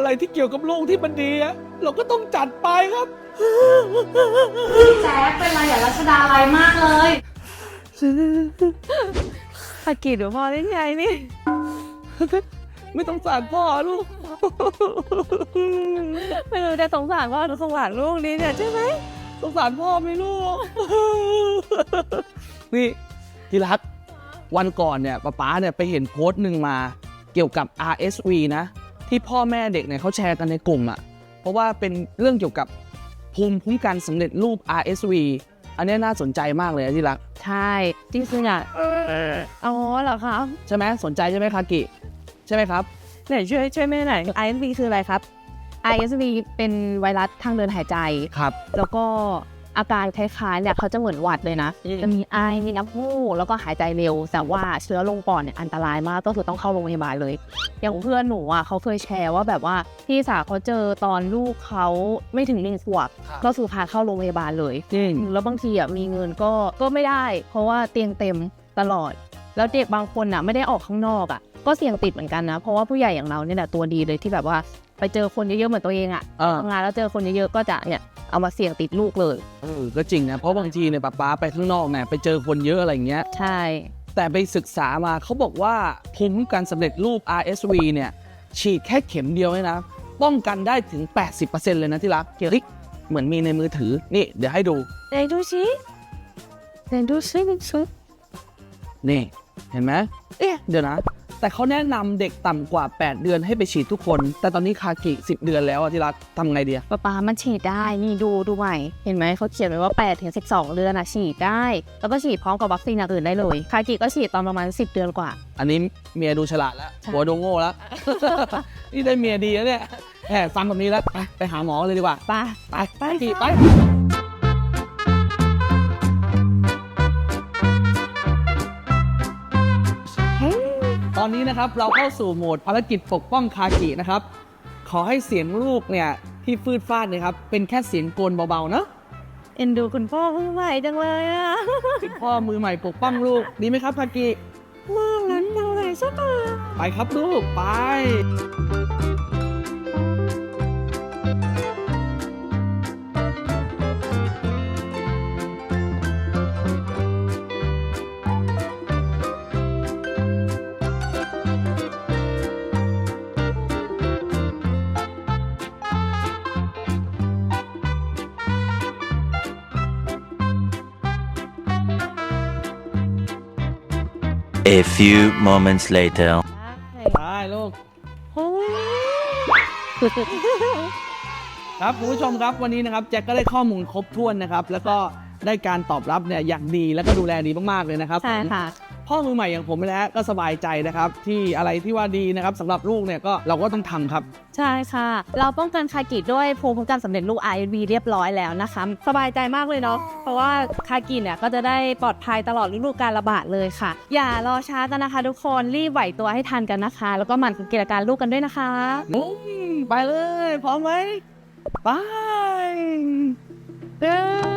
อะไรที่เกี่ยวกับลูกที่มันดีอะเราก็ต้องจัดไปครับพี่แจ๊คเป็นไรอย่ารัชดาอะไรมากเลยภากิจหรือพ่อได้ไงนี่ไม่ต้องสารพ่อลูกไม่รู้จะสงสารพ่อหรือสงสารลูกนี่เนี่ยใช่ไหมสงสารพ่อไหมลูก นี่ที่รักวันก่อนเนี่ยป๊าเนี่ยไปเห็นโพสต์หนึ่งมาเกี่ยวกับ RSV นะที่พ่อแม่เด็กเนี่ยเขาแชร์กันในกลุ่มอ่ะเพราะว่าเป็นเรื่องเกี่ยวกับภูมิคุ้มกันสำเร็จรูป RSV อันนี้น่าสนใจมากเลยนะที่รักใช่จริงๆอ่ะอ๋อเหรอครับใช่ไหมสนใจใช่ไหมคากิใช่ไหมครับไหนช่วยแม่หน่อย ISV คืออะไรครับ ISV เป็นไวรัสทางเดินหายใจครับแล้วก็อาการคล้ายๆเนี่ยเขาจะเหมือนหวัดเลยนะจะมีไอมีน้ำมูกแล้วก็หายใจเร็วแต่ว่าเชื้อลงปอดเนี่ยอันตรายมากก็คือต้องเข้าโรงพยาบาลเลยอย่างเพื่อนหนูอ่ะเขาเคยแชร์ว่าแบบว่าพี่สาวเขาเจอตอนลูกเขาไม่ถึง1 ขวบก็คือพาเข้าโรงพยาบาลเลยแล้วบางทีอ่ะมีเงินก็ไม่ได้เพราะว่าเตียงเต็มตลอดแล้วเด็กบางคนอ่ะไม่ได้ออกข้างนอกอ่ะก็เสี่ยงติดเหมือนกันนะเพราะว่าผู้ใหญ่อย่างเราเนี่ยแหละตัวดีเลยที่แบบว่าไปเจอคนเยอะๆเหมือนตัวเองอ่ะทำงานแล้วเจอคนเยอะๆก็จะเนี่ยเอามาเสี่ยงติดลูกเลยก็จริงนะเพราะบางทีเนี่ยป๊าไปข้างนอกเนี่ยไปเจอคนเยอะอะไรอย่างเงี้ยใช่แต่ไปศึกษามาเขาบอกว่าภูมิคุ้มกันสำเร็จรูป RSV เนี่ยฉีดแค่เข็มเดียวเนี่ยนะป้องกันได้ถึง 80% เลยนะที่รักเฮ้ยเหมือนมีในมือถือนี่เดี๋ยวให้ดูไหนดูสินี่เห็นไหมเดี๋ยวนะแต่เขาแนะนำเด็กต่ำกว่า8เดือนให้ไปฉีดทุกคนแต่ตอนนี้คากิ10 เดือนแล้วที่รักทำไงดีป๊ามันฉีดได้นี่ดูใหม่เห็นไหมเขาเขียนไว้ว่า8 ถึง 12 เดือนฉีดได้แล้วก็ฉีดพร้อมกับวัคซีนอย่างอื่นได้เลยคากิก็ฉีดตอนประมาณ10 เดือนกว่าอันนี้เมียดูฉลาดแล้วหัวดูโง่แล้ว นี่ได้เมียดีแล้วเนี่ยฟังแบบนี้แล้วไปหาหมอเลยดีกว่าไปตอนนี้นะครับเราเข้าสู่โหมดภารกิจปกป้องคากินะครับขอให้เสียงลูกเนี่ยที่ฟืดฟาดเนี่ยครับเป็นแค่เสียงโกนเบาๆเนอะเอ็นดูคุณพ่อมือใหม่จังเลยอ่ะคุณพ่อมือใหม่ปกป้องลูกดีไหมครับคากิมากนั้นจังเลยสักทีไปครับลูกไป A few moments later ไปลูกครับคุณผู้ชมครับวันนี้นะครับแจ็คก็ได้ข้อมูลครบถ้วนนะครับแล้วก็ได้การตอบรับเนี่ยอย่างดีแล้วก็ดูแลดีมากๆเลยนะครับใช่ค่ะพ่อมือใหม่อย่างผมนะก็สบายใจนะครับที่อะไรที่ว่าดีนะครับสำหรับลูกเนี่ยก็เราก็ต้องทำครับใช่ค่ะเราป้องกันคากิด้วยภูมิคุ้มกันสำเร็จรูป RSV เรียบร้อยแล้วนะคะสบายใจมากเลยเนาะเพราะว่าคากิเนี่ยก็จะได้ปลอดภัยตลอดฤดูกาลระบาดเลยค่ะอย่ารอช้ากันนะคะทุกคนรีบไหวตัวให้ทันกันนะคะแล้วก็หมั่นสังเกตอาการลูกกันด้วยนะคะไปเลยพร้อมไหมไป